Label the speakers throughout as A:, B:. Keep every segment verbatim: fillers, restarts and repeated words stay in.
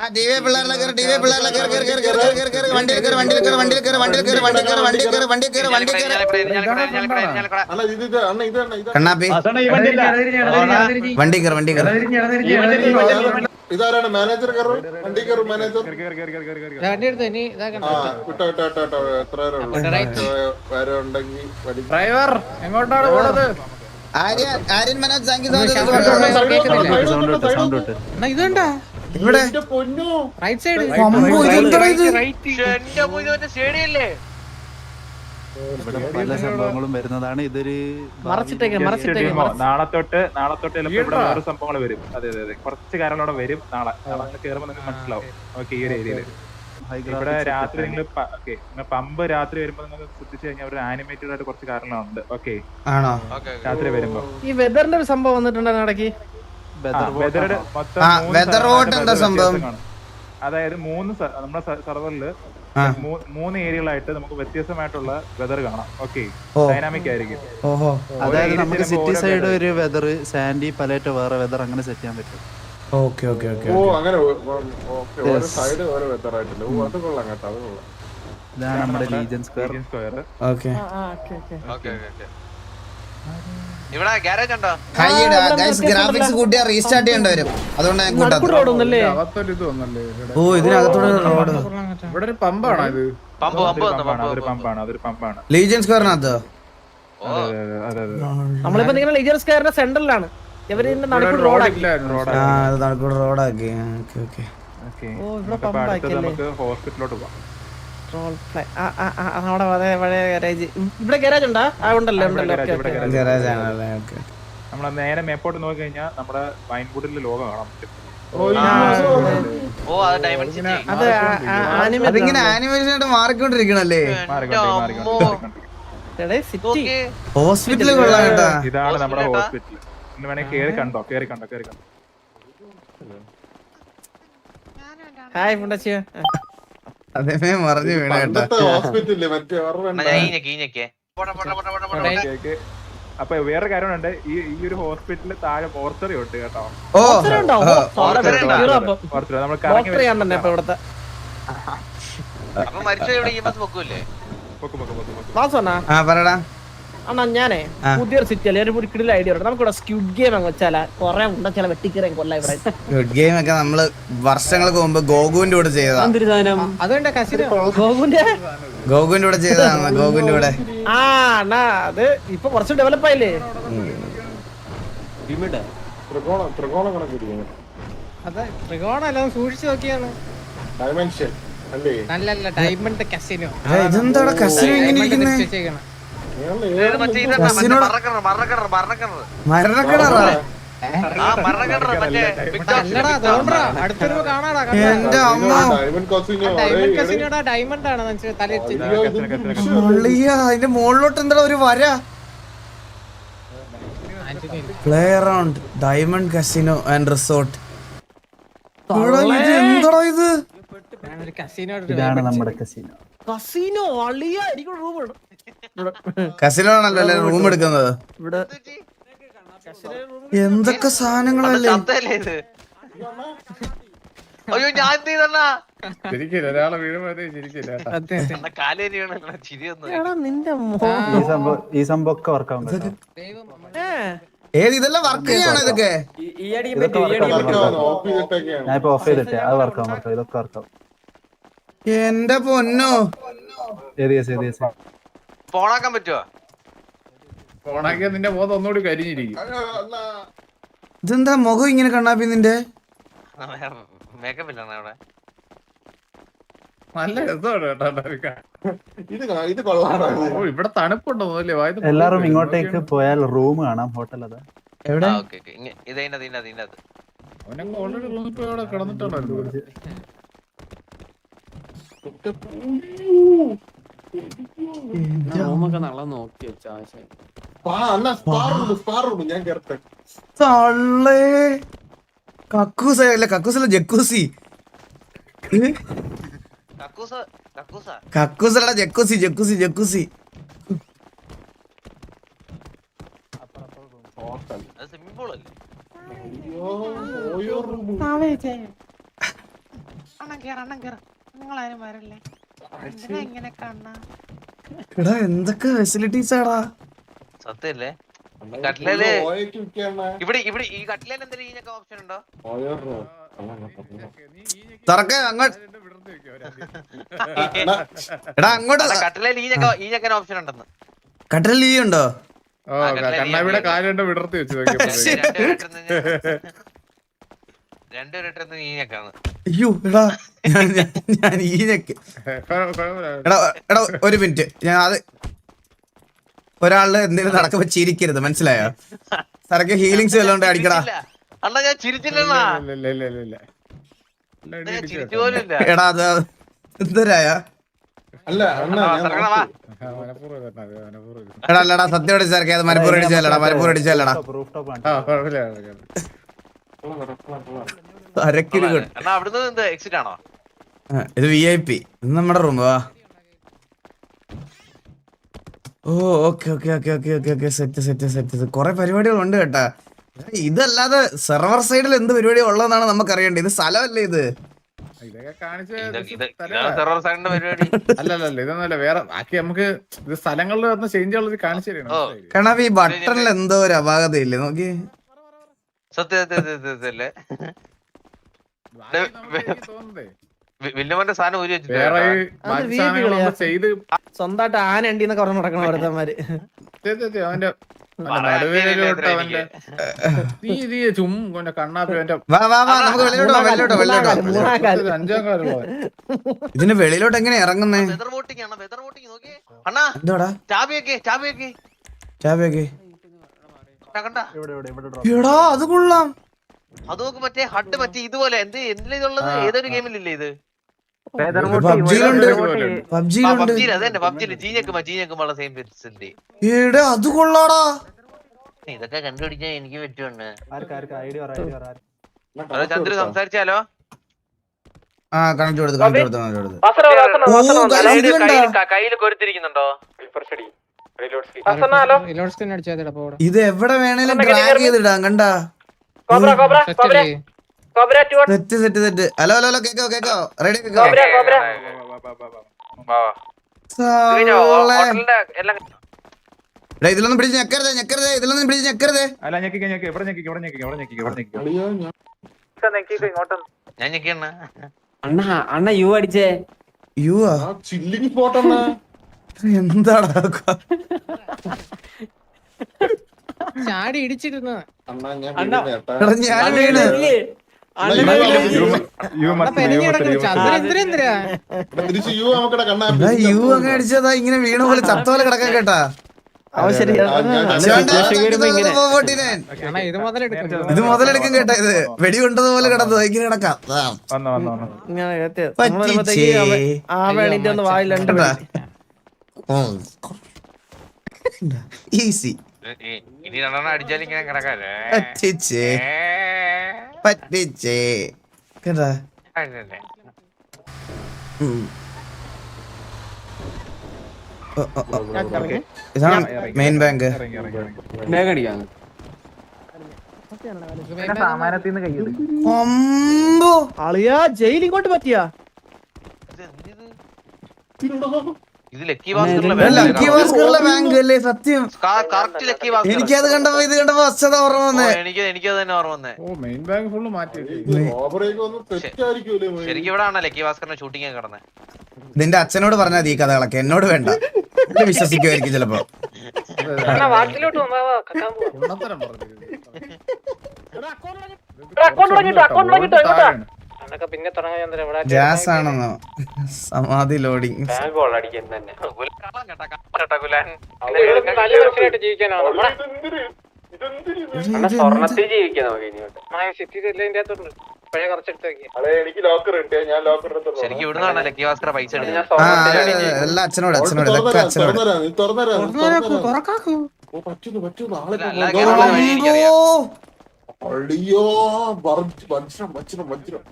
A: ഇതാരാണ് മാനേജർ? വണ്ടി കയറും മാനേജർ. വിട്ടോ വിട്ടോ വിട്ടോ എത്ര പേരെ ഉണ്ടെങ്കിൽ
B: ഡ്രൈവർ എങ്ങോട്ടാണ് പോണത്?
C: ആര്യൻ മനോജ് താങ്ക് യു
D: ഇതുണ്ടാ
C: ഇവിടെ
D: റൈറ്റ് സൈഡ്
E: ഇവിടെ പല സംഭവങ്ങളും വരുന്നതാണ്. ഇതൊരു
B: നാളെ തൊട്ട് നാളെ തൊട്ട് ചിലപ്പോ ഇവിടെ വേറെ സംഭവങ്ങൾ വരും. അതെ അതെ അതെ കുറച്ച് കാര്യങ്ങളോടെ വരും. നാളെ നാളെ കയറുമ്പോൾ നിങ്ങൾക്ക് മനസ്സിലാവും. ഓക്കെ, ഈ ഒരു ഏരിയയില് ഇവിടെ രാത്രി നിങ്ങൾ ഓക്കെ പമ്പ് രാത്രി വരുമ്പോ നിങ്ങൾ ശ്രദ്ധിച്ചു കഴിഞ്ഞാൽ ഒരു ആനിമേറ്റഡ് ആയിട്ട് കുറച്ച് കാര്യങ്ങളുണ്ട്. ഓക്കെ ആണോ? രാത്രി വരുമ്പോ ഈ വെതറിന്റെ ഒരു സംഭവം വന്നിട്ടുണ്ടായിരുന്നു ഇടയ്ക്ക്. വെതറുടെ മൊത്തം അതായത് മൂന്ന് നമ്മുടെ സെർവറില് മൂന്ന് ഏരിയകളായിട്ട് നമുക്ക് വ്യത്യസ്തമായിട്ടുള്ള വെതർ കാണാം. ഓക്കെ, ഡൈനാമിക് ആയിരിക്കും.
E: അതായത് നമുക്ക് സിറ്റി സൈഡ് ഒരു വെതർ, സാൻഡി പലേറ്റ് വേറെ വെതർ, അങ്ങനെ സെറ്റ് ചെയ്യാൻ പറ്റും.
C: ഓക്കെ ഓക്കെ ഓക്കെ
A: ഓ അങ്ങനെ ഓരോ സൈഡ് ഓരോ വെതർ ആയിട്ടില്ല. ഓ അത് കൊള്ളാം കേട്ടോ, അത് കൊള്ളാം.
E: ഇതാണ് നമ്മുടെ ലീജൻ സ്ക്വയർ.
C: ഓക്കെ
F: ഇവിടെ ഗാരേജ് ഉണ്ടോ?
C: ഹൈഡാ ഗൈസ്, ഗ്രാഫിക്സ് കൂട്ടിയാ റീസ്റ്റാർട്ട് ചെയ്യേണ്ടി വരും. അതുകൊണ്ട് ഞാൻ കൂട്ടാ. ഓ ഇതിനകത്തോടെ റോഡ്.
B: ഇവിടെ ഒരു പമ്പാണോ ഇത്?
F: പമ്പ് പമ്പ്
B: അതൊരു പമ്പാണ്. അതൊരു പമ്പാണ്.
C: ലീജൻ സ്ക്വയറിനകത്ത്
D: നമ്മളിപ്പോ നിങ്ങളുടെ ലീജൻ സ്ക്വയറിന്റെ സെന്ററിലാണ്. ഇവരിന്റെ നടുക്കൂടെ റോഡാക്കി.
C: ആ അത് നടുക്കൂടെ റോഡാക്കി. Okay okay
B: okay. നമുക്ക് ഹോസ്പിറ്റലിലോട്ട് പോവാം.
D: ഇവിടെ ഗാരേജ് ഉണ്ടാ? ഉണ്ടല്ലോ ഉണ്ടല്ലോ.
B: നമ്മളെ നേരെ മേപ്പോട്ട് നോക്കി കഴിഞ്ഞാൽ നമ്മുടെ വൈൻവുഡിലെ ലോകം കാണാൻ പറ്റും.
C: അതിങ്ങനെ ആനിമേഷൻ ആയിട്ട് മാറിക്കൊണ്ടിരിക്കണല്ലേ. ഹോസ്പിറ്റല് കൊള്ളാം കേട്ടാ.
B: ഇതാണ് നമ്മുടെ ഹോസ്പിറ്റൽ. ഇന്ന് വേണേ കേറി കണ്ടോ, കേറി കണ്ടോ, കേറി കണ്ടോ.
D: ഹായ് മുണ്ടച്ചിയ.
C: അതേ മറിഞ്ഞു വീണ കേട്ടാ.
A: ഹോസ്പിറ്റലില് മറ്റേ
B: അപ്പൊ വേറെ കാര്യമുണ്ട്. ഈ ഈ ഒരു ഹോസ്പിറ്റലിൽ താഴെ മോർച്ചറി ഉണ്ട് കേട്ടോ.
C: ഓ
B: നമ്മൾ
C: പറടാ
D: അണ്ണാ ഞാനേ പുതിയൊരു സിറ്റി അല്ലേ ഒരു കിടില ഐഡിയ ഉണ്ട്. നമുക്കിവിടെ സ്ക്വിഡ് ഗെയിം അങ്ങ് വെച്ചാലാ കൊറേ ഉണ്ടെച്ചാൽ വെട്ടിക്കറിയാൻ കൊല്ല. ഇവിടെ
C: സ്ക്വിഡ് ഗെയിം ഒക്കെ നമ്മള് വർഷങ്ങൾക്ക് മുമ്പ് ഗോകുവിന്റെ കൂടെ ചെയ്തതാ.
D: അതുകൊണ്ട് ഗോകുന്റെ
C: ഗോകുവിന്റെ കൂടെ ചെയ്തതാണ്. ഗോകുവിന്റെ കൂടെ
D: ആ അണ്ണാ അത് ഇപ്പൊ കുറച്ച് ഡെവലപ്പ് ആയില്ലേ.
G: അതെ ത്രികോണം അല്ല, സൂക്ഷിച്ചു നോക്കിയാണ്.
A: ഡൈമെൻഷൻ അല്ലേ?
G: നല്ലല്ല ഡയമണ്ട് കസിനോ.
C: ഇതെന്താടാ കസിനോ ഇങ്ങനെ ഇരിക്കുന്നേ? മരണക്കിണറാ? എന്റെ അമ്മ
G: ഡയമണ്ട് ആണ്
C: അതിന്റെ മുകളിലോട്ട് എന്താ ഒരു വര? Play around diamond casino and resort. എന്താടാ ഇത്?
E: ഇതാണ് നമ്മുടെ കസിനോ.
D: കസിനോ അളിയ എനിക്ക് റൂം ഉണ്ട്.
C: കസിനോ ആണല്ലോ അല്ലെ റൂം എടുക്കുന്നത്.
D: ഇവിടെ
C: എന്തൊക്കെ സാധനങ്ങളല്ലേ.
F: അയ്യോ ഞാൻ
B: ഒരാളെ വീഴുമ്പോഴത്തേ ശരിക്കില്ല.
D: നിന്റെ
E: ഈ സംഭവം ഒക്കെ വർക്കാവും.
C: ഏത് ഇതെല്ലാം വർക്ക് ചെയ്യണോ ഇതൊക്കെ?
E: ഞാൻ ഇപ്പൊ ഓഫ് ചെയ്തിട്ടേ അത് വർക്കാവും. വർക്കാവും ഇതൊക്കെ വർക്കാവും.
C: എന്റെ പൊന്നോ,
F: ഫോണാക്കാൻ പറ്റുമോ?
B: ഫോണാക്കിയാ നിന്റെ മുഖത്ത് ഒന്നുകൂടി കരിഞ്ഞിരിക്കും.
C: ഇതെന്താ മുഖം ഇങ്ങനെ കണ്ണാപ്പി നിന്റെ?
F: മേക്കപ്പ് ഇല്ല അവിടെ.
B: നല്ല രസമാണ് കേട്ടോ.
A: ഇത് കൊള്ളാം.
B: ഇവിടെ തണുപ്പുണ്ടോ?
E: എല്ലാരും ഇങ്ങോട്ടേക്ക് പോയാൽ റൂം കാണാം. ഹോട്ടൽ അതാ
C: എവിടെ?
B: അവനങ്ങ് ഓൾറെഡി റൂമിൽ പോയി അവിടെ കിടന്നിട്ടുണ്ടല്ലോ.
G: റൂമൊക്കെ നല്ല നോക്കി വെച്ചാ
A: ഞാൻ കേറട്ടെ.
C: കക്കൂസ അല്ല, കക്കൂസല്ല ജക്കൂസി. കക്കൂസല്ല ജക്കൂസി, ജക്കൂസി ജക്കൂസി.
F: അണ്ണൻ കേറ അണ്ണൻ കേറ നിങ്ങളാരും വരല്ലേ എന്തിനാ ഇങ്ങനെ കണ്ണ
C: എടാ എന്തൊക്കെ ഫെസിലിറ്റീസ് ആടാ.
F: സത്യല്ലേ കട്ടിലേല് ഇവിടെ ഇവിടെ ഈ കട്ടിലേല് എന്തെങ്കിലും ഈനൊക്കെ ഓപ്ഷൻ ഉണ്ടോ?
C: തുറക്ക അങ്ങോട്ട്. എടാ അങ്ങോട്ട്.
F: കട്ടിലേല് ഈനൊക്കെ ഈനൊക്കെ ഓപ്ഷൻ ഉണ്ടെന്ന്.
C: കട്ടലിൽ ഈ ഉണ്ടോ?
A: കണ്ണാവിടെ കാലുണ്ട് വിടർത്തി വെച്ച്
F: രണ്ടുപേരുടെ ഈനൊക്കെയാണ്.
C: അയ്യോ എടാ ഞാൻ ഞാൻ ഈനൊക്കെ എടാ എടാ ഒരു മിനിറ്റ്. ഞാൻ അത് ഒരാളില് എന്തെങ്കിലും നടക്കുമ്പോ ചിരിക്കരുത്, മനസ്സിലായോ? സരക്ക് ഹീലിങ്സ് വല്ലോണ്ട് അടിക്കടാ.
F: അണ്ണാ ഞാൻ ചിരിച്ചില്ലണ്ണാ, ഞാൻ ചിരിച്ചു പോലും ഇല്ല.
C: എടാ അത് എന്തരായ
A: അല്ല
C: എടാ അല്ലടാ സത്യോടെ സരക്കെ അത് മനപ്പൂർ അടിച്ചല്ലടാ, മനപ്പൂർ അടിച്ചല്ലടാ.
F: അണ്ണാ അവിടുന്ന് എന്ത് എക്സിറ്റ് ആണോ?
C: ഇത് വി ഐ പി. ഇത് നമ്മുടെ റൂം. വാ. ഓ okay okay okay okay okay okay set set set. കുറെ പരിപാടികളുണ്ട് കേട്ടാ. ഇതല്ലാതെ സെർവർ സൈഡിൽ എന്ത് പരിപാടി ഉള്ളതെന്നാണ് നമുക്ക് അറിയേണ്ടത്. ഇത് സ്ഥലമല്ലേ ഇത്?
A: ഇതൊക്കെ കാണിച്ച്
F: പരിപാടി
A: അല്ലല്ല ഇതൊന്നുമല്ല, വേറെ ബാക്കി നമുക്ക് ഇത് സ്ഥലങ്ങളിൽ വന്ന് ചേഞ്ച് ഉള്ളത് കാണിച്ചു തരണം.
C: കാരണം ഈ ബട്ടണിൽ എന്തോ ഒരു അപാകതയില്ലേ നോക്കി.
F: സത്യ സത്യല്ലേ വില്ലുമന്റെ സാധനം ഊരി വെച്ചിട്ട്
A: വേറെ ബാക്കി സാധനങ്ങളൊന്നും ചെയ്ത്
D: സ്വന്തമായിട്ട് ആന ഉണ്ടിന്നൊക്കെ പറഞ്ഞു നടക്കണം ഓരോരുത്തന്മാര്.
A: അവന്റെ നടുവേലോട്ട് അവന്റെ നീ നീ ചും കൊണ്ട കണ്ണാപ്പി അവന്റെ
C: വാ വാ വാ നമുക്ക് വെളിയിലോട്ട് പോവാം, വെളിയിലോട്ട് വെളിയിലോട്ട്.
D: മൂന്നാം കാലം.
A: അഞ്ചാം കാലുള്ള
C: ഇതിന് വെളിയിലോട്ട് എങ്ങനെ ഇറങ്ങുന്നേ?
F: വെതർ വോട്ടിംഗ് ആണ്, വെതർ വോട്ടിംഗ് നോക്കിയേ അണ്ണാ.
C: എന്തോടാ
F: ചാബിയൊക്കെ ചാബിയൊക്കെ
C: ചാബിയൊക്കെ
F: കണ്ട
C: എടാ അത് കൊള്ളാം.
F: അത് നോക്ക്, മറ്റേ ഹഡ് മറ്റേ ഇതുപോലെ എന്ത് എന്തിനാ ഇതുള്ളത്? ഏതൊരു ഗെയിമിലില്ലേ ഇത്?
C: പബ്ജിയിലുണ്ട്, പബ്ജിയിലുണ്ട്.
F: പബ്ജിയിൽ അത് തന്നെ, പബ്ജിയില് ജീനക്കുമ്പോ ജീനക്കുമ്പോള്ള സെയിം ഫെസിലിറ്റി.
C: എടാ അത് കൊള്ളാടാ.
F: ഇതൊക്കെ കണ്ടുപിടിക്കാൻ എനിക്ക് പറ്റുന്നുണ്ട്. ഹലോ ചന്ദ്രു സംസാരിച്ചാലോ?
C: ആ കണക്ട് കൊടുത്ത് കണക്ട് കൊടുത്ത് കണക്ട് കൊടുത്ത്.
F: കയ്യിൽ കൊരുത്തിരിക്കുന്നുണ്ടോ?
C: ഇത് എവിടെ വേണേലും ഡ്രാഗ് ചെയ്തിടാം കണ്ടാ. Set set set. Hello hello hello കേക്കോ കേക്കോ റെഡി കേക്കോ. ഇതിലൊന്നും പിടിച്ച് ഞെക്കരുതേ ഞെക്കരുതേ ഇതിലൊന്നും പിടിച്ച് ഞെക്കരുതേ.
B: അല്ല ഞെക്കിക്കോ ഞെക്കി ഇവിടെ ഞെക്കിക്കോ ഇവിടെ ഞെക്കിക്കോ ഇവിടെ ഞെക്കിക്കോ ഇവിടെ ഞെക്കിക്കോ
F: ഞാൻ ഞെക്കിയണ്ണ
G: അണ്ണ അണ്ണ യു അടിച്ചേ.
C: യു ആ
A: ചില്ലിങ് സ്പോട്ടെന്നാ
C: എന്താടാ
G: ചാടി ഇടിച്ചിരുന്നു.
C: എടാ ഞാൻ വീണ്. എടാ യു അങ്ങ് അടിച്ചതാ ഇങ്ങനെ വീണ പോലെ ചത്ത പോലെ കിടക്കാൻ കേട്ടാ. ഇത് മുതലെടുക്കും കേട്ടാ. ഇത് വെടി കൊണ്ടതുപോലെ കിടന്നു ഇങ്ങനെ കിടക്കാം.
D: ആ വേണിന്റെ ഒന്ന് വായിലുണ്ട്.
C: ഈസി
F: ഇനി രണ്ടെണ്ണം അടിച്ചാൽ ഇങ്ങനെ കിടക്കാല്ലേ?
C: പറ്റിച്ചേ പറ്റിച്ചേ കേട്ടാ. ഇതാണ് മെയിൻ ബാങ്ക്. അമ്പോ
D: അളിയാ ജയിൽ ഇങ്ങോട്ട് പറ്റിയാ.
F: ഇത് ലക്കി ഭാസ്കറിലെ
C: ലക്കി ഭാസ്കറിലെ ബാങ്ക് അല്ലേ? സത്യം
F: കറക്റ്റ് ലക്കി ഭാസ്കർ.
C: എനിക്കത് കണ്ടപ്പോ ഇത് കണ്ടപ്പോ വസ്തുത ഓർമ്മ വന്നേ.
F: എനിക്ക് എനിക്കത് തന്നെ ഓർമ്മ വന്നേ.
A: ഓ മെയിൻ ബാങ്ക് ഫുള്ള് മാറ്റി.
F: ശരിക്കും ഇവിടെ ആണോ ലക്കി ഭാസ്കറിന്റെ ഷൂട്ടിംഗ് ഒക്കെ കിടന്നേ?
C: നിന്റെ അച്ഛനോട് പറഞ്ഞാൽ ഈ കഥകളൊക്കെ എന്നോട് വേണ്ട. വിശ്വസിക്കുമായിരിക്കും ചിലപ്പോ. ഗ്യാസ് ആണെന്നോ? സമാധി ലോഡിങ്.
F: ശരിക്കും ഇവിടുന്നാണ് ലക്കി ഭാസ്കർ പൈസ എടുത്തത്.
C: എല്ലാ അച്ഛനോട് അച്ഛനോട് ഇതൊക്കെ അച്ഛനോട്.
A: അയ്യോ വജ്രം വജ്രം വജ്രം.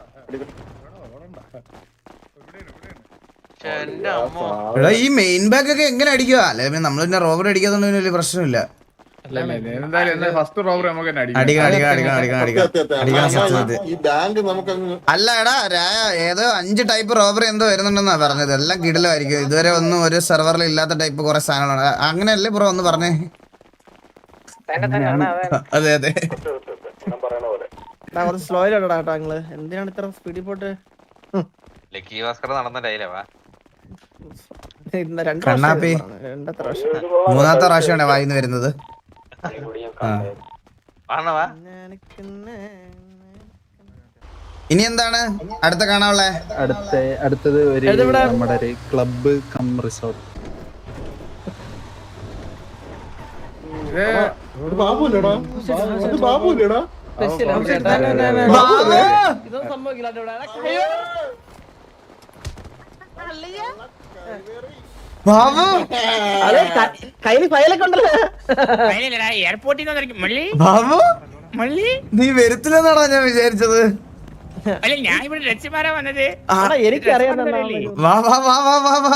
C: എടാ ഈ മെയിൻ ബാഗ് ഒക്കെ എങ്ങനെ അടിക്കുക? അല്ലെ നമ്മൾ പിന്നെ റോബർ അടിക്കാത്തോണ്ട് വലിയ പ്രശ്നമില്ല.
A: എന്തായാലും ഫസ്റ്റ് റോബറി നമുക്ക് തന്നെ അടിക്കാം.
C: അടിക്കണം അടിക്കണം അടിക്കണം അടിക്കണം അടിക്കണം അടിക്കണം സത്യം.
H: ഈ ബാങ്ക് നമുക്കങ്ങ്
C: അല്ല എടാ രായ ഏതോ അഞ്ച് ടൈപ്പ് റോബറി എന്തോ വരുന്നുണ്ടെന്നാ പറഞ്ഞത്. എല്ലാം കിടിലമായിരിക്കും. ഇതുവരെ ഒന്നും ഒരു സെർവറിൽ ഇല്ലാത്ത ടൈപ്പ് കുറെ സാധനങ്ങളാണ്. അങ്ങനെയല്ലേ ബ്രോ ഒന്ന് പറഞ്ഞേ? അതെ അതെ
D: സ്ലോ ഇല്ലടാ കേട്ടോ നിങ്ങള്. എന്തിനാണ് ഇത്ര സ്പീഡിൽ പോട്ട്?
F: ലക്കി ഭാസ്കർ നടന്ന ഡയലോഗാ.
D: രണ്ട്
C: കണ്ണാപ്പി
D: രണ്ടത്ര വർഷം
C: മൂന്നാമത്തെ പ്രാവശ്യമാണ് വായിന്ന് വരുന്നത്.
F: ആണവാ
C: ഇനി എന്താണ് അടുത്ത കാണാനുള്ളേ?
E: അടുത്ത അടുത്തത് ഒരു നമ്മുടെ ഒരു ക്ലബ്ബ് കം റിസോർട്ട്.
H: ഇത് ബാബുല്ലേടാ? ഇത് ബാബുല്ലേടാ?
D: ഇതൊന്നും സംഭവിക്കില്ല
C: ബാബു
D: കയ്യിൽ ഫയലൊക്കെ ഉണ്ടല്ലോ.
I: എയർപോർട്ടിൽ
C: ബാബു നീ വരുത്തില്ലെന്നാണോ ഞാൻ വിചാരിച്ചത്?
I: അല്ല ഞാൻ ഇവിടെ രക്ഷമാരാ വന്നത്.
D: എനിക്കറിയാം
C: വാ വാ വാ വാ വാ വാ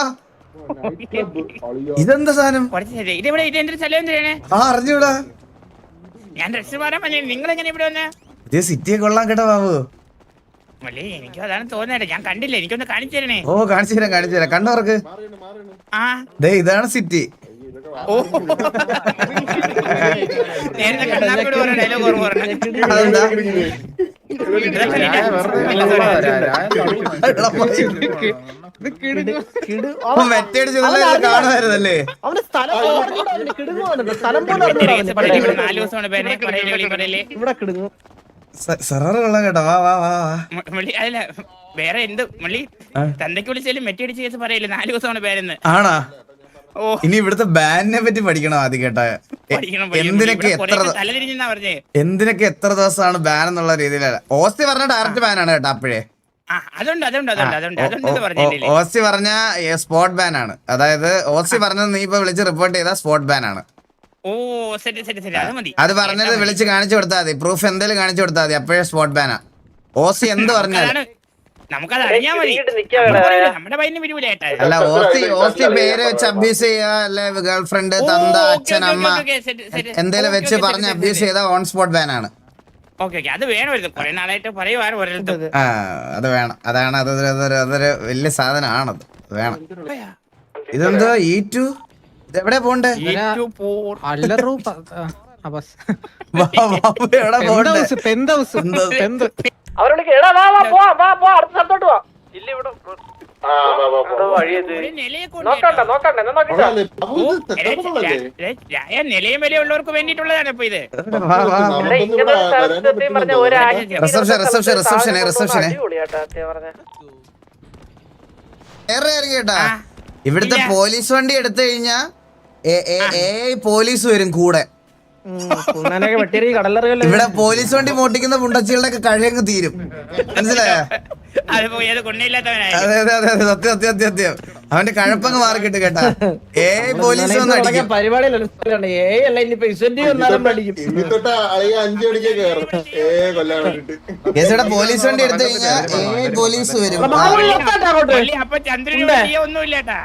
C: ഇതെന്താ സാധനം?
I: ഇതെവിടെ ഇതെന്തൊരു സ്ഥലം എന്തിനാണ്?
C: ആ അറിഞ്ഞൂടാ.
I: ഞാൻ രക്ഷമാരാ വന്നത്. നിങ്ങൾ എങ്ങനെ ഇവിടെ വന്ന?
C: ഇത് സിറ്റിയെ കൊള്ളാൻ കേട്ടോ ബാബു.
I: മള്ളി എനിക്ക് അതാണ് തോന്നുന്നത്. ഞാൻ കണ്ടില്ല. എനിക്കൊന്ന് കാണിച്ചു തരണേ.
C: ഓ കാണിച്ചു തരാം കാണിച്ചു തരാം. കണ്ടവർക്ക്
I: ആ
C: ദേ ഇതാണ് സിറ്റി.
I: ഓ നേരത്തെ കണ്ണാപ്പിയോട് പറഞ്ഞ ഡയലോഗ് ഓർമ്മ പറഞ്ഞു.
C: അതെന്താ? കാണുമായിരുന്നല്ലേ?
D: അവന്റെ സ്ഥലം കിടുങ്ങുവാണ്. സ്ഥലം പോലെ
I: ഇവിടെ നാല് ദിവസമാണ് പേരെ പറയലേ പറയലേ
D: ഇവിടെ കിടുങ്ങും.
C: സെററ് കൊള്ളാം കേട്ടോ. വാ വാ വാ വാ
I: മള്ളി അല്ല വേറെ എന്ത് മള്ളി തന്തയ്ക്ക് വിളിച്ചാലും മെറ്റടിച്ച് കേസ് പറയില്ല. നാല് ദിവസമാണ് പേരെന്ന്.
C: ആണാ?
I: ഓ
C: ഇനി ഇവിടുത്തെ ബാനിനെ പറ്റി പഠിക്കണം ആദ്യം കേട്ടാ. എന്തിനൊക്കെ എത്ര
I: തലതിരിഞ്ഞാ പറഞ്ഞേ.
C: എന്തിനൊക്കെ എത്ര ദിവസമാണ് ബാൻ എന്നുള്ള രീതിയിലല്ല. ഓസ്തി പറഞ്ഞ ഡയറക്റ്റ് ബാനാണ് കേട്ടോ. അപ്പോഴേ
I: അതുണ്ട് അതുണ്ട് അതുണ്ട് അതുണ്ട് അതുണ്ട് പറഞ്ഞില്ലേ.
C: ഓസ്തി പറഞ്ഞ സ്പോട്ട് ബാൻ ആണ്. അതായത് ഓസ്തി പറഞ്ഞത് നീ ഇപ്പൊ വിളിച്ച് റിപ്പോർട്ട് ചെയ്ത സ്പോട്ട് ബാൻ ആണ്.
I: ഓ ശരി ശരി ശരി അത് മതി.
C: അത് പറഞ്ഞത് വിളിച്ച് കാണിച്ചു കൊടുത്താൽ മതി. പ്രൂഫ് എന്തെങ്കിലും കാണിച്ചു കൊടുത്താൽ മതി. അപ്പോഴേ സ്പോട്ട് ബാനാ. ഓസി എന്ത് പറഞ്ഞാൽ
I: നമുക്കത് അറിയാൻ മതി. നമ്മുടെ പയ്യന് വിരുവില്ല ഏട്ടാ.
C: അല്ല ഓസി ഓസി പേര് വെച്ച് അബ്യൂസ് ചെയ്യുക അല്ലെ ഗേൾ ഫ്രണ്ട് തന്ത അച്ഛൻ അമ്മ എന്തേലും വെച്ച് പറഞ്ഞ് അബ്യൂസ് ചെയ്ത ഓൺ സ്പോട്ട് ബാൻ ആണ്.
I: ഓക്കെ ഓക്കെ അത് വേണമായിരുന്നു. കുറെ നാളായിട്ട് പറയുവാണ് ഒരിടത്തും.
C: ആ അത് വേണം. അതാണ് അതൊരു അതൊരു അതൊരു വലിയ സാധനമാണത്. വേണം. ഇതെന്തോ ഈ ടു ഇതെവിടെ പോണ്ടേ?
D: അവരോട് എടാ വാ വാ പോ വാ പോ അടുത്ത സ്ഥലത്തോട്ട് വാ. ഇല്ല ഇവിടെ നോക്കണ്ട നോക്കണ്ട എന്നാ നോക്കിട്ടാ.
I: നിലയും വിലയുള്ളവർക്ക് വേണ്ടിയിട്ടുള്ളതാണ് ഇപ്പൊ ഇത്.
C: റിസപ്ഷൻ റിസപ്ഷൻ റിസപ്ഷൻ റിസപ്ഷനെ കേട്ടാ. ഇവിടുത്തെ പോലീസ് വണ്ടി എടുത്തു കഴിഞ്ഞാ പോലീസ് വരും കൂടെ. ഇവിടെ പോലീസ് വണ്ടി മോട്ടിക്കുന്ന പുണ്ടച്ചികളുടെ ഒക്കെ കഴിയങ്ങ് തീരും. മനസ്സിലായോ? അതെ അതെ അതെ അതെ സത്യം സത്യം സത്യം സത്യം. അവന്റെ കഴപ്പങ്ങ് മാറിക്കിട്ട് കേട്ടാ. ഏ പോലീസ് വന്ന് അടിക്കും. കേസയുടെ പോലീസ് വണ്ടി എടുത്തു കഴിഞ്ഞാ ഏ പോലീസ് വരും.
I: അപ്പൊ ചന്ദ്രന് ഒന്നുമില്ലേട്ടാ.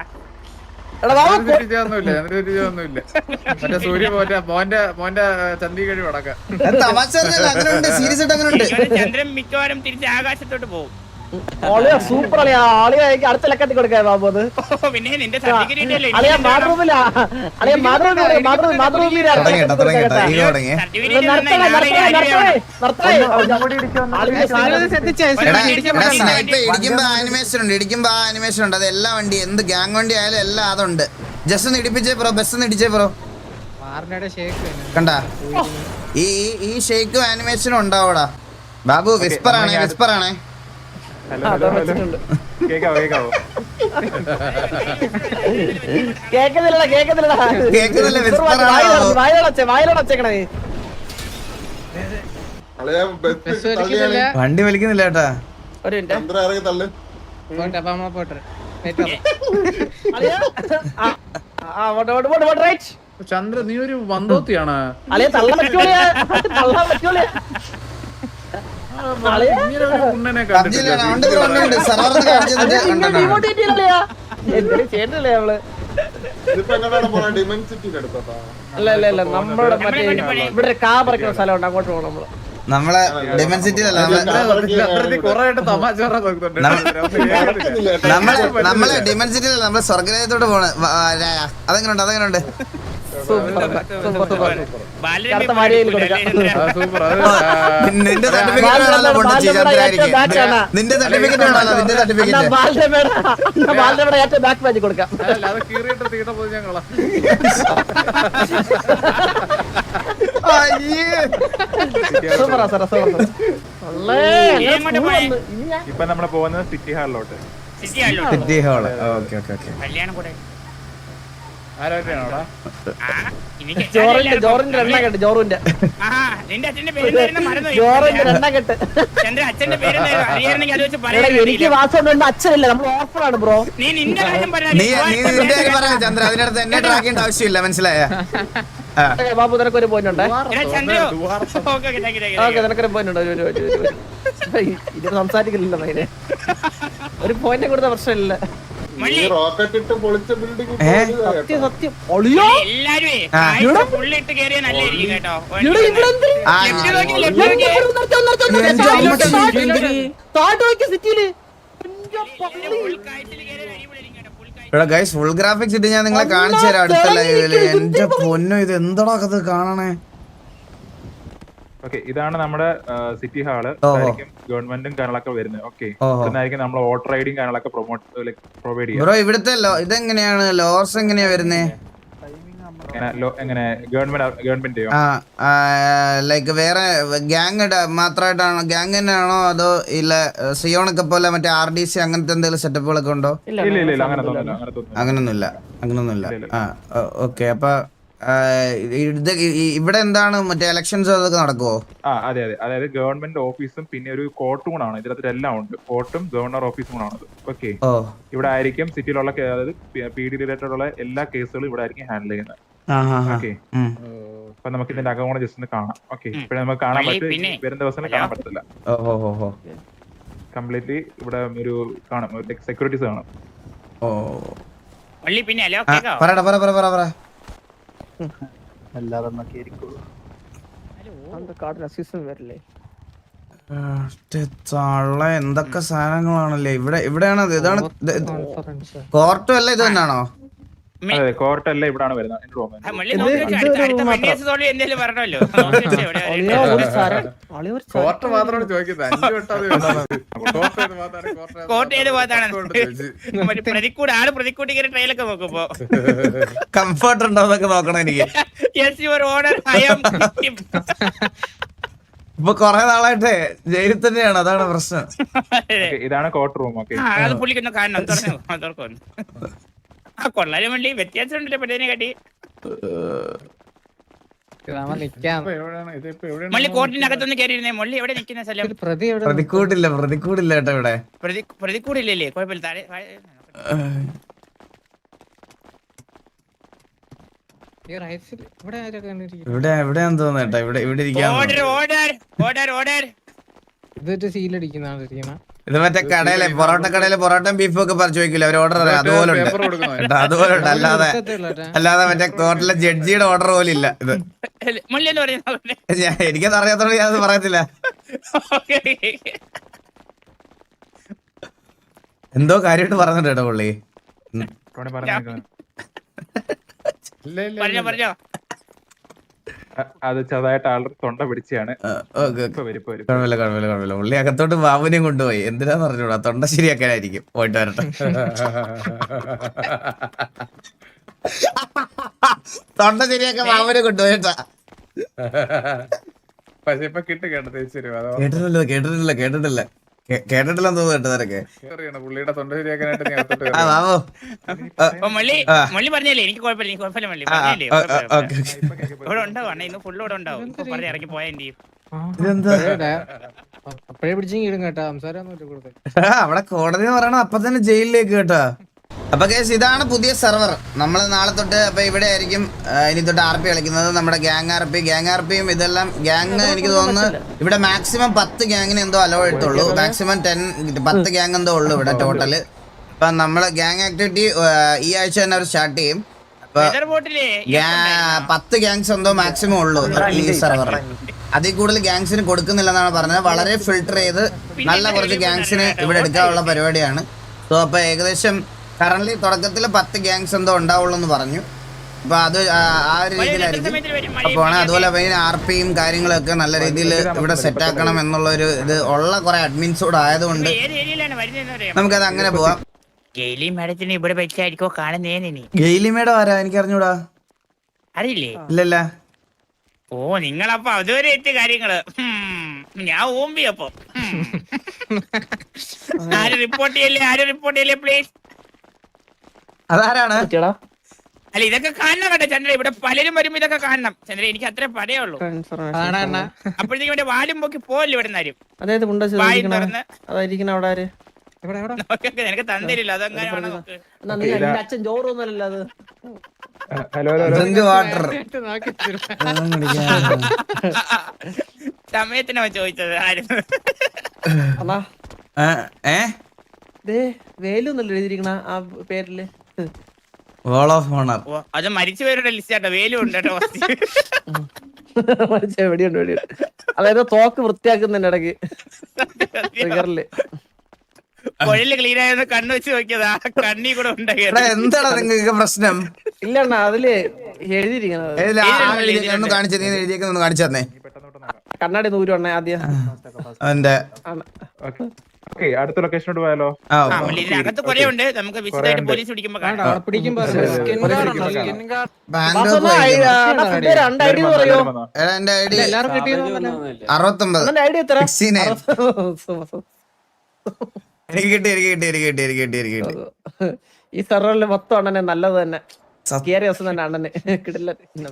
A: മറ്റേ സൂര്യ മോന്റെ മോന്റെ മോന്റെ ചന്തി കഴിവ് അടക്കം.
C: തമാശ അങ്ങനെയുണ്ട്. സീരിയസ് ആയിട്ട് അങ്ങനെയുണ്ട്.
I: ചന്ദ്രൻ മിക്കവാറും തിരിച്ച് ആകാശത്തോട്ട് പോകും.
D: സൂപ്പർ അളിയാ. അളിയാ അടുത്ത ലക്കത്തിൽ കൊടുക്കാൻ ബാബു. അത്
I: പിന്നെ നിന്റെ സർട്ടിഫിക്കറ്റ്
D: അളിയാ ബാത്റൂമില അളിയാ ബാത്റൂമിൽ ബാത്റൂം ബാത്റൂമിൽ
C: ഇടിക്കുമ്പോ ആനിമേഷൻ ഉണ്ട്. ഇടിക്കുമ്പോ ആ ആനിമേഷൻ ഉണ്ട്. അത് എല്ലാ വണ്ടി എന്ത് ഗ്യാങ് വണ്ടി ആയാലും എല്ലാം അതുണ്ട്. ജസ്റ്റ് ഒന്ന് ഇടിപ്പിച്ചേ ബ്രോ. ബസ് ഒന്ന് ഇടിച്ചേ ബ്രോ. കണ്ടാ ഈ ഈ ഷേക്കും ആനിമേഷനും ഉണ്ടാവൂടാ ബാബു. വിസ്പർ ആണേ വിസ്പർ ആണേ.
D: കേക്കുന്നില്ലടാ കേക്കുന്നില്ലടാ
C: കേക്കുന്നില്ല. വിസ്പർ
D: വായിലോടച്ചേക്കണേ.
C: വണ്ടി വലിക്കുന്നില്ല കേട്ടാ.
D: ഒരു മിനിറ്റ്
A: ചന്ദ്ര നീ ഒരു വന്തോത്തിയാണ്.
D: അളിയ തള്ളാൻ പറ്റൂലേ തള്ളാൻ പറ്റൂലേ.
A: ഉണ്ണനെ
D: ചെയ്യണ്ടല്ലേ അവള്
H: ഇതിപ്പോ എങ്ങനെയാണ് പോണേ? ഡിമെൻസിറ്റിയുടെ അടുത്തോട്ടാ?
D: അല്ല അല്ല അല്ല നമ്മുടെ മറ്റേ ഇവിടെ ഒരു കാ പറിക്കുന്ന സ്ഥലമുണ്ട്, അങ്ങോട്ട് പോകണം നമ്മള്.
C: നമ്മളെ ഡിമെൻസിറ്റിയിലല്ല നമ്മള്
A: കൊറേ ആയിട്ട് തമാശ പറയാൻ നോക്കുന്നുണ്ട്.
C: നമ്മളെ നമ്മളെ ഡിമെൻസിറ്റിയിലല്ല നമ്മള് സ്വർഗരാജ്യത്തോട്ട് പോണ അതെങ്ങനെയുണ്ട് അതെങ്ങനെയുണ്ട്
D: കറുത്ത മാരിയിൽ കൊടുക്കാം.
A: സൂപ്പർ.
C: നിന്റെ സർട്ടിഫിക്കറ്റ് വേണമല്ലോ പൊട്ടിച്ച് ചന്ദ്രായിരിക്കും. നിന്റെ സർട്ടിഫിക്കറ്റ് വേണമല്ലോ നിന്റെ സർട്ടിഫിക്കറ്റ്
D: ബാലരമയുടെ ഏറ്റവും ബാക്ക് പേജ് കൊടുക്കാം.
A: അല്ല അത് കീറിയിട്ട് തീട്ട പോയി ഞങ്ങളാ.
D: സൂപ്പറാ സാറേ, സൂപ്പർ.
B: ഇപ്പൊ നമ്മള് പോകുന്നത് സിറ്റി ഹാളിലോട്ട്.
C: City hall. Okay okay okay.
I: കല്യാണം കൂടെ
A: ആരോടെയാണോടാ?
D: ജോറിന്റെ ജോറിന്റെ എണ്ണ കെട്ട്, ജോറിന്റെ
I: ആ നിന്റെ അച്ഛന്റെ പേര് മറന്നു
D: ജോറിന്റെ എണ്ണ കെട്ട്.
I: ചന്ദ്ര അച്ഛന്റെ പേര് അറിയാണെങ്കിൽ അത് വെച്ച്
D: എടാ,
I: പറയാൻ
D: എനിക്ക് വാസമുണ്ട്, അച്ഛനില്ല, നമ്മൾ ഓർഫനാണ് ബ്രോ.
I: നീ നിന്റെ കാര്യം
C: നീ നീ നിന്റെ കാര്യം പറയാ ചന്ദ്ര, അതിനടുത്ത് എന്നെ ട്രാക്ക് ചെയ്യേണ്ട ആവശ്യമില്ല, മനസ്സിലായ?
D: ബാബു നിനക്കൊരു പോയിന്റ് ഉണ്ട്.
I: ചന്ദ്ര
D: ഓക്കെ, നിനക്കൊരു പോയിന്റ് ഉണ്ട്. ഒരു ഒരു ഒരു ഒരു ഇത് സംസാരിക്കില്ലല്ലോ മൈനെ. ഒരു പോയിന്റ് കൊടുത്ത പ്രശ്നമില്ല.
H: ഈ റോക്കറ്റ് ഇട്ട് പൊളിച്ച ബിൽഡിംഗ്
D: സത്യം സത്യം. ഒളിയോ
I: എല്ലാരും പുള്ളിട്ട് കേറിയ നല്ലായിരിക്കും കേട്ടോ.
D: താഴോട്ട് നോക്കി സിറ്റിയില്
C: ഇവിടെ ഗൈസ് ഫുൾ ഗ്രാഫിക്സ് ഇട്ട് ഞാൻ നിങ്ങളെ കാണിച്ചു തരാം അടുത്ത ലൈവില്. എന്റെ പൊന്നോ, ഇത് എന്താ അത് കാണണേ.
B: ഓക്കെ, ഇതാണ് നമ്മുടെ സിറ്റി ഹാള്. ഗവൺമെന്റും കാര്യങ്ങളൊക്കെ വരുന്നത്. ഓക്കെ,
C: ഓഹോ.
B: ഇതായിരിക്കും നമ്മൾ വോട്ടർ ഐഡിയും കാര്യങ്ങളൊക്കെ പ്രൊമോട്ട് പ്രൊവൈഡ് ചെയ്യാം.
C: ബ്രോ ഇവിടുത്തെ ലോ ഇതെങ്ങനെയാണ് ലോസ് എങ്ങനെയാ വരുന്നേ?
B: എങ്ങനെ ഗവൺമെന്റ് ഗവൺമെന്റ്
C: ആ ലൈക്ക് വേറെ ഗ്യാങ് മാത്രമായിട്ടാണോ, ഗ്യാങ് തന്നെയാണോ അതോ ഇല്ല സിയോണൊക്കെ പോലെ മറ്റേ ആർ ഡി സി അങ്ങനത്തെ എന്തെങ്കിലും സെറ്റപ്പുകളൊക്കെ ഉണ്ടോ?
B: ഇല്ല ഇല്ല ഇല്ല അങ്ങനെ തോന്നുന്നില്ല അങ്ങനെ തോന്നുന്നില്ല
C: അങ്ങനൊന്നുമില്ല അങ്ങനൊന്നുമില്ല. ആ ഓക്കെ. അപ്പൊ ഇത് ഇവിടെ എന്താണ് മറ്റേ ഇലക്ഷൻസ് അതൊക്കെ നടക്കുവോ?
B: ആ അതെ അതെ അതായത് ഗവൺമെന്റ് ഓഫീസും പിന്നെ ഒരു കോർട്ടും കൂടാണ് ഇതിനകത്ത് എല്ലാം ഉണ്ട്. കോർട്ടും ഗവർണർ ഓഫീസും കൂടാണത്. ഓക്കെ, ഇവിടെ ആയിരിക്കും സിറ്റിയിലുള്ള അതായത് പി ഡി റിലേറ്റഡ് ഉള്ള എല്ലാ കേസുകളും ഇവിടെ ആയിരിക്കും ഹാൻഡിൽ ചെയ്യുന്നത്. ഓക്കെ, അപ്പൊ നമുക്ക് ഇതിന്റെ അകം കൂടെ ജസ്റ്റ് ഒന്ന് കാണാം. ഓക്കെ, ഇപ്പഴേ നമുക്ക് കാണാൻ പറ്റും, വരുന്ന ദിവസം കാണാൻ പറ്റത്തില്ല. കംപ്ലീറ്റ്ലി ഇവിടെ ഒരു കാണും, സെക്യൂരിറ്റീസ് കാണും.
C: പറയടാ പറ പറ പറ പറ.
E: അല്ലാതെ കേറിക്കോളൂ.
C: തള്ള എന്തൊക്കെ സാധനങ്ങളാണല്ലേ ഇവിടെ. ഇവിടെയാണ് ഇതാണ് കോർട്ടും അല്ല ഇത് തന്നെയാണോ?
B: അതെ, കോർട്ട് എല്ലാം ഇവിടാണ് വരുന്നത്.
A: കോർട്ട് മാത്രമാണ് ചോദിക്കുന്നത്. അഞ്ചു
I: കോർട്ട് ഏത് ഭാഗത്താണ്? പ്രതിക്കൂട് ആള് പ്രതിക്കൂട്ടി കയറി ട്രെയിലൊക്കെ നോക്കുമ്പോ
C: കംഫർട്ട് ഉണ്ടോ എന്നൊക്കെ നോക്കണം എനിക്ക്. ഇപ്പൊ കൊറേ നാളായിട്ട് ജയിലിൽ തന്നെയാണ്, അതാണ് പ്രശ്നം.
B: ഇതാണ് കോർട്ട് റൂം. ഓക്കെ,
I: അത് പുള്ളിക്കൊന്ന് കാണണം, തുറന്നു ആ കൊള്ളാനും വേണ്ടി വ്യത്യാസം ഉണ്ടല്ലോ പെട്ടതിനെ കാട്ടി. മള്ളി കോർട്ടിനകത്തൊന്ന് കയറിയിരുന്നേ. മള്ളി എവിടെ നിൽക്കുന്ന സ്ഥലം?
C: പ്രതിക്കൂടില്ല പ്രതിക്കൂടില്ല കേട്ടോ ഇവിടെ.
I: പ്രതിക്കൂടില്ലല്ലേ? കുഴപ്പമില്ല. താഴെ
C: ഇവിടെ എവിടെയാന്ന് തോന്നുന്നു കേട്ടോ. ഇവിടെ ഇവിടെ ഇരിക്കാൻ
I: ഓർഡർ ഓർഡർ ഓർഡർ ഓർഡർ
C: ഇത് മറ്റേ കടയിലെ പൊറോട്ട കടയിലെ പൊറോട്ടയും ബീഫും ഒക്കെ പറഞ്ഞു ചോദിക്കില്ല, അവർ ഓർഡർ അറിയാം. അതുപോലെ ഉണ്ട് കേട്ടോ, അതുപോലെ ഉണ്ട്. അല്ലാതെ അല്ലാതെ മറ്റേ കോർട്ടിലെ ജഡ്ജിയുടെ ഓർഡർ പോലും ഇല്ല ഇത്. എനിക്കത് അറിയാത്തോണ്ട് ഞാനത് പറയത്തില്ല. എന്തോ കാര്യമായിട്ട് പറഞ്ഞിട്ട് കേട്ടോ പുള്ളി.
I: പറഞ്ഞോ പറഞ്ഞോ.
B: അത് ചെറുതായിട്ട് ആളുടെ തൊണ്ട പിടിച്ചാണ്.
C: കുഴപ്പമില്ല കുഴപ്പമില്ല കുഴപ്പമില്ല. പുള്ളി അകത്തോട്ട് ബാബുനെയും കൊണ്ടുപോയി. എന്തിനാന്ന് പറഞ്ഞൂടാ, തൊണ്ട ശരിയാക്കാനായിരിക്കും. പോയിട്ട് വരട്ടെ. തൊണ്ട ശരിയാക്കാൻ ബാബുനെ കൊണ്ടുപോയിട്ടാ. കേട്ടിട്ടില്ല കേട്ടിട്ടില്ല കേട്ടിട്ടില്ല കേട്ടിട്ടില്ലെന്ന് തോന്നുന്നു കേട്ടോ നിനക്ക്.
A: പുള്ളിയുടെ തൊണ്ട ശരിയാക്കാനായിട്ട്
I: മള്ളി പറഞ്ഞല്ലേ എനിക്ക് കുഴപ്പമില്ല, എനിക്ക് കുഴപ്പമില്ല മള്ളി പറഞ്ഞല്ലേ. ഇവിടെ ഉണ്ടാവും അണ്ണ, ഇന്ന് ഫുള്ള് ഇവിടെ ഉണ്ടാവും. ഇപ്പൊ പറഞ്ഞ് ഇറങ്ങി പോയാ എന്ത് ചെയ്യും?
G: അപ്പഴേ പിടിച്ചെങ്കിലും കേട്ടാ സംസാരം
C: അവിടെ കോടതി എന്ന് പറയണത് അപ്പൊ തന്നെ ജയിലിലേക്ക് കേട്ടാ. അപ്പൊ കേസ് ഇതാണ് പുതിയ സെർവർ. നമ്മൾ നാളെ തൊട്ട് അപ്പൊ ഇവിടെ ആയിരിക്കും ഇനി തൊട്ട് ആർ പി കളിക്കുന്നത്. നമ്മുടെ gang R P gang R പിയും ഇതെല്ലാം ഗ്യാങ് എനിക്ക് തോന്നുന്നു ഇവിടെ മാക്സിമം പത്ത് ഗ്യാങ്ങിന് എന്തോ അലോ എടുത്തുള്ളൂ. മാക്സിമം ടെൻ പത്ത് ഗ്യാങ് എന്തോ ഉള്ളു ഇവിടെ ടോട്ടല്. ഇപ്പൊ നമ്മള് ഗ്യാങ് ആക്ടിവിറ്റി ഈ ആഴ്ച തന്നെ അവർ സ്റ്റാർട്ട് ചെയ്യും. അപ്പൊ
I: വെതർ ബോട്ടില്
C: ഗ്യാ- പത്ത് ഗ്യാങ്സ് എന്തോ മാക്സിമം ഉള്ളൂ ഈ സെർവറിൽ. അതിൽ കൂടുതൽ ഗ്യാങ്സിന് കൊടുക്കുന്നില്ലെന്നാണ് പറഞ്ഞത്. വളരെ ഫിൽട്ടർ ചെയ്ത് നല്ല കുറച്ച് ഗ്യാങ്സിന് ഇവിടെ എടുക്കാനുള്ള പരിപാടിയാണ്. സോ അപ്പൊ ഏകദേശം കറന്റ് തുടക്കത്തിൽ പത്ത് ഗ്യാങ്സ് എന്തോ ഉണ്ടാവുള്ളൂ എന്ന് പറഞ്ഞു. അപ്പൊ അത് ആ- ആ ഒരു രീതിയിലായിരിക്കും. അപ്പൊ അതുപോലെ ആർ പിയും കാര്യങ്ങളൊക്കെ നല്ല രീതിയിൽ ഇവിടെ സെറ്റ് ആക്കണം എന്നുള്ള ഒരു ഇത് ഉള്ള കുറെ അഡ്മിൻസ് കൂടെ ആയതുകൊണ്ട്
I: ഏത് ഏരിയയിലാണ് വരുന്നതെന്ന്
C: നമുക്കത് അങ്ങനെ പോവാം.
I: ഗെയിലി മാഡത്തിന് ഇവിടെ വെച്ചായിരിക്കോ കാണുന്നേനി
C: ഗെയിലി മേഡം ആരാ? എനിക്ക് അറിഞ്ഞൂടാ.
I: അറിയില്ലേ?
C: ഇല്ലല്ല.
I: ഓ നിങ്ങളപ്പോ അതുവരെ എത്തിയ കാര്യങ്ങള് ഹും, ഞാൻ ഓമ്പി അപ്പൊ ഹും. ആരും റിപ്പോർട്ട് ചെയ്യല്ലേ, ആരും റിപ്പോർട്ട് ചെയ്യല്ലേ പ്ലീസ്.
C: അതാരാണ്?
D: പറ്റിയടാ
I: അല്ല ഇതൊക്കെ കാണണം കേട്ടോ ചന്ദ്ര, ഇവിടെ പലരും വരുമ്പോ ഇതൊക്കെ കാണണം ചന്ദ്ര. എനിക്ക് അത്രേ പറയുള്ളൂ. അപ്പോഴത്തേക്കും ഇവിടെ വാലും പൊക്കി പോവല്ലോ ഇവിടെ നിന്നാരും.
D: അതായത്
I: വായും തുറന്ന്
D: അതായിരിക്കണ അവിടെ ആര്?
I: നോക്കൊക്കെ നിനക്ക് തന്നിരില്ല അതെങ്ങനെയാണ് നോക്ക്.
D: എന്നാ നീ നിന്റെ അച്ഛൻ ചോറൊന്നുമല്ലല്ലോ അത്.
B: Hello hello hello
C: drink water.
I: സമയത്തിനാ ചോദിച്ചത് ആരും.
D: അണ്ണാ
C: ഏ
D: ദേ വേലൊന്നല്ലോ എഴുതിയിരിക്കണ ആ പേരില്.
C: Wall of owner.
I: ഓ അത് മരിച്ചു പേരുടെ ലിസ്റ്റ് ആട്ടോ. വേലും ഉണ്ട് കേട്ടോ.
D: വെടിയുണ്ട് വെടിയുണ്ട്. അതായത് തോക്ക് വൃത്തിയാക്കുന്നതിന്റെ ഇടയ്ക്ക് ട്രിഗറില്
I: കൊഴല് ക്ലീൻ ആയെന്ന് കണ്ണു വെച്ച് നോക്കിയതാ. കണ്ണി കൂടെ ഉണ്ടായിരുന്നു.
C: എന്താണ് നിങ്ങൾക്ക് പ്രശ്നം?
D: ഇല്ല അണ്ണാ അതില് എഴുതിയിരിക്കണത്.
C: ഏതിലാ? ആ എഴുതിയേക്കുന്നത് ഒന്ന് കാണിച്ചു. നീ എഴുതിയേക്കുന്നത് ഒന്ന് കാണിച്ചു തന്നെ.
D: കണ്ണാടി നൂറ് അണ്ണ ആദ്യം.
C: അവന്റെ
B: ഓക്കെ അടുത്ത ലൊക്കേഷനോട് പോയാലോ?
C: ആ
I: ആ, മള്ളി, ഇതിനകത്ത് കുറെ ഉണ്ട്. നമുക്ക് വിശദമായിട്ട് പോലീസ് പിടിക്കുമ്പോ കാണാം.
G: പിടിക്കുമ്പോ
C: ബാൻഡോ പോയി.
D: രണ്ട് ഐഡി പറയോ?
C: എടാ, എന്റെ ഐ ഡി
G: എല്ലാരും കിട്ടിയെന്നോ?
C: അറുപത്തൊമ്പത്.
D: അണ്ണന്റെ ഐഡി എത്ര?
C: Sixty nine. എനിക്ക് കിട്ടി എനിക്ക് കിട്ടി എനിക്ക് കിട്ടി എനിക്ക് കിട്ടി എനിക്ക് കിട്ടി.
D: ഈ സെർവറിൽ മൊത്തം അണ്ണനെ നല്ലത് തന്നെ.
C: സത്യം.
D: കേറിയ ദിവസം തന്നെ അണ്ണന് കിടില്ല.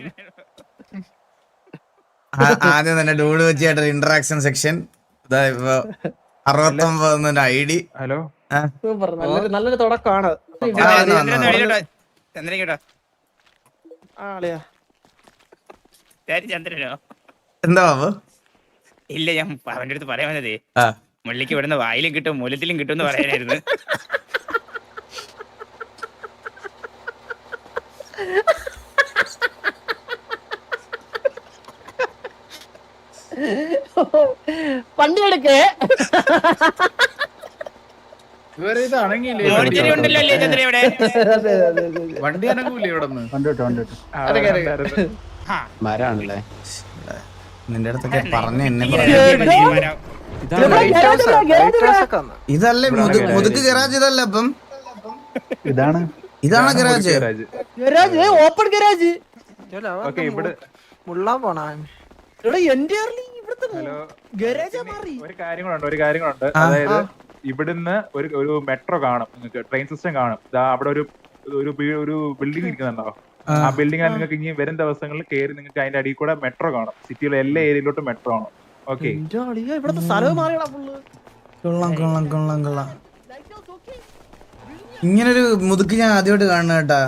C: ആ- ആദ്യം തന്നെ ഡൂഡ് വെച്ചായിട്ട് ഇന്ററാക്ഷൻ സെക്ഷൻ. ഇതാ ഇപ്പൊ അറുപത്തൊമ്പത് ഐ ഡി.
B: ഹലോ
D: സൂപ്പർ, നല്ലൊരു നല്ലൊരു തുടക്കമാണ്.
I: ചന്ദ്രൻ വെളിയിലോട്ടോ. ചന്ദ്രൻ കേട്ടോ.
D: ആളിയാ
I: ശരി ചന്ദ്രനോ?
C: എന്താ ബാബു?
I: ഇല്ല, ഞാൻ അവന്റെ അടുത്ത് പറയാൻ വന്നതേ
C: ആ
I: മുള്ളിക്ക് ഇവിടുന്ന് വായിലും കിട്ടും മൂലത്തിലും കിട്ടും എന്ന് പറയാനായിരുന്നു.
D: വണ്ടി എടുക്കേ.
A: ഇവരെ ഇത് അണങ്ങിയില്ലേ?
I: മോണിറ്ററി ഉണ്ടല്ലോ അല്ലേ ചന്ദ്ര ഇവിടെ?
D: അതെ അതെ അതെ
A: വണ്ടി അനങ്ങൂല്ലേ ഇവിടെ നിന്ന്?
E: കണ്ടിട്ട് കണ്ടിട്ട്
I: ആ,
E: മരാണല്ലേ.
C: നിന്റെ അടുത്തൊക്കെ പറഞ്ഞ എന്നെ
I: ഇങ്ങനെ
C: പറയാം.
I: ഒരു തീരുമാനം.
C: ഇതല്ലേ മുതു- മുതുക്ക് ഗരാജ് ഇതല്ല. അപ്പം
E: ഇതാണ്
C: ഇതാണ് garage.
D: Garage, open garage.
B: Okay ഇവിടെ
D: മുള്ളാൻ പോണ എന്റെ ഇവിടുത്തെ
B: ഹലോ
D: ഗരാജാ മാറി.
B: ഒരു കാര്യങ്ങളുണ്ട് ഒരു കാര്യങ്ങളുണ്ട് അതായത് ഇവിടുന്ന് ഒരു ഒരു മെട്രോ കാണും നിങ്ങൾക്ക്, ട്രെയിൻ സിസ്റ്റം കാണും. ദാ അവിടെ ഒരു ഒരു ബി- ഒരു ബിൽഡിംഗ് ഇരിക്കുന്നുണ്ടോ? ആ ബിൽഡിംഗ് നിങ്ങൾക്ക് ഇനി വരും ദിവസങ്ങളിൽ കയറി നിങ്ങൾക്ക് അതിന്റെ അടിയിൽ കൂടെ മെട്രോ കാണും. സിറ്റിയിലെ എല്ലാ ഏരിയയിലോട്ടും മെട്രോ കാണും. ഓക്കെ
D: എന്റെ അളിയാ, ഇവിടുത്തെ സ്ഥലം മാറിയടാ ഫുള്ള്.
C: കൊള്ളാം കൊള്ളാം കൊള്ളാം കൊള്ളാം. ഇങ്ങനൊരു മുതുക്ക് ഞാൻ ആദ്യമായിട്ട് കാണുന്ന കേട്ടാ.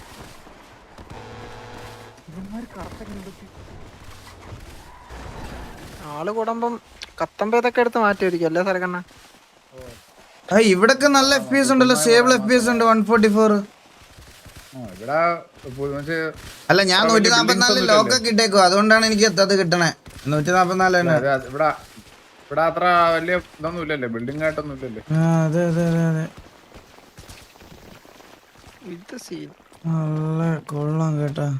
G: ആള് കൂടുമ്പം കത്തമ്പേതൊക്കെ എടുത്ത് മാറ്റിയിരിക്കും അല്ലേ സരക്കണ്ണ?
C: ആ ഇവിടൊക്കെ നല്ല എഫ് പി എസ് ഉണ്ടല്ലോ. സ്റ്റേബിൾ എഫ് പി എസ് ഉണ്ട്. One forty four.
A: ഇവിടെ മറ്റേ
C: അല്ല ഞാൻ നൂറ്റി നാപ്പത്തിനാല് ലോക്കൊക്കെ ഇട്ടേക്കും. അതുകൊണ്ടാണ് എനിക്ക് അത് കിട്ടണേ. നൂറ്റി നാപ്പത്തിനാല് തന്നെ.
A: അത് ഇവിടെ ഇവിടെ അത്ര വലിയ ഇതൊന്നും ഇല്ലല്ലേ, ബിൽഡിംഗ് ആയിട്ടൊന്നും ഇല്ലല്ലേ.
C: ആ അതെ അതെ അതെ അതെ.
G: ഇത് സീൻ.
C: നല്ല കൊള്ളാം കേട്ടാ.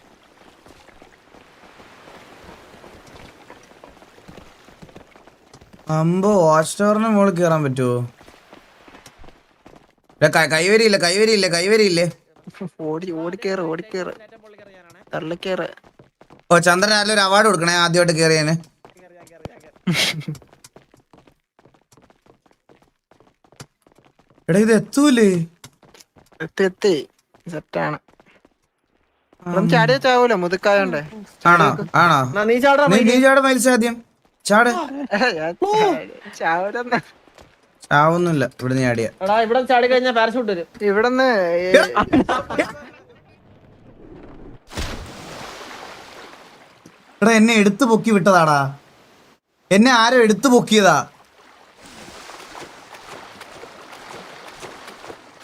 C: അമ്പോ വാച്ച് ടവറിന് മുകളിൽ കയറാൻ പറ്റുമോ? കൈവരിയില്ലേ കൈവരിയില്ലേ കൈവരിയില്ലേ?
G: ഓടി ഓടിക്കേറ് ഓടിക്കേറ് തള്ളിക്കേറ്.
C: ഓ ചന്ദ്രൻ നല്ലൊരു അവാർഡ് കൊടുക്കണേ ആദ്യമായിട്ട് കയറിയതിന്. എടാ ഇത് എത്തൂലേ?
G: എത്തി എത്തി സെറ്റാണ്. ചാടിയ ചാവൂല മുതുക്കായോണ്ടേ.
C: ആണോ ആണോ?
D: നീ ചാടാ.
C: നീ നീ ചാട മത്സ്യം ആദ്യം ചാട്.
G: ചാവൂലെന്ന്
C: ചാവൊന്നുമില്ല ഇവിടെ നീ ആടിയ.
D: എടാ ഇവിടെ ചാടി കഴിഞ്ഞാൽ പാരഷൂട്ട് വരും.
G: ഇവിടുന്ന്
C: എടാ എന്നെ എടുത്തു പൊക്കി വിട്ടതാടാ. എന്നെ ആരോ എടുത്തു പൊക്കിയതാ.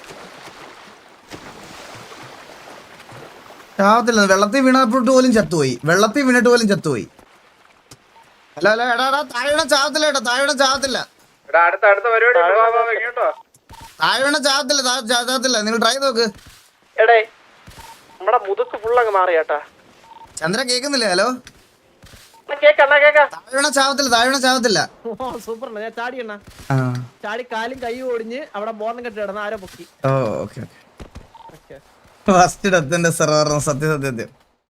C: ചാവത്തില്ല, വെള്ളത്തിൽ വീണപ്പോട്ട് പോലും ചത്തുപോയി, വെള്ളത്തിൽ വീണിട്ട് പോലും ചത്തുപോയി. അല്ല അല്ല എടാ എടാ താഴെ വീണ ചാവത്തില്ല കേട്ടോ, താഴെ വീണ ചാവത്തില്ല,
A: അടുത്ത അടുത്ത പരിപാടി കേട്ടോ.
C: താഴെ വീണ ചാവത്തില്ല, ചാവത്തില്ല. നിങ്ങൾ ട്രൈ നോക്ക്.
D: എടേ നമ്മടെ മുതുക്ക് ഫുള്ളങ്ങ് മാറിയാട്ടാ.
C: ചന്ദ്ര കേക്കുന്നില്ലേ? ഹലോ,
D: കേക്കണ്ണ കേക്ക.
C: താഴെ വീണ ചാവത്തില്ല, താഴെ വീണ ചാവത്തില്ല.
D: സൂപ്പർ, ഞാൻ ചാടി എണ്ണ
C: ആ
D: ചാടി കാലും കൈയും ഒടിഞ്ഞ് അവിടെ ബോർണം കെട്ടി കിടന്ന ആരോ പൊക്കി.
C: ഓ ഓക്കെ ഓക്കെ. ഫസ്റ്റ് ഡെത്തിന്റെ സെർവർ സത്യ സത്യം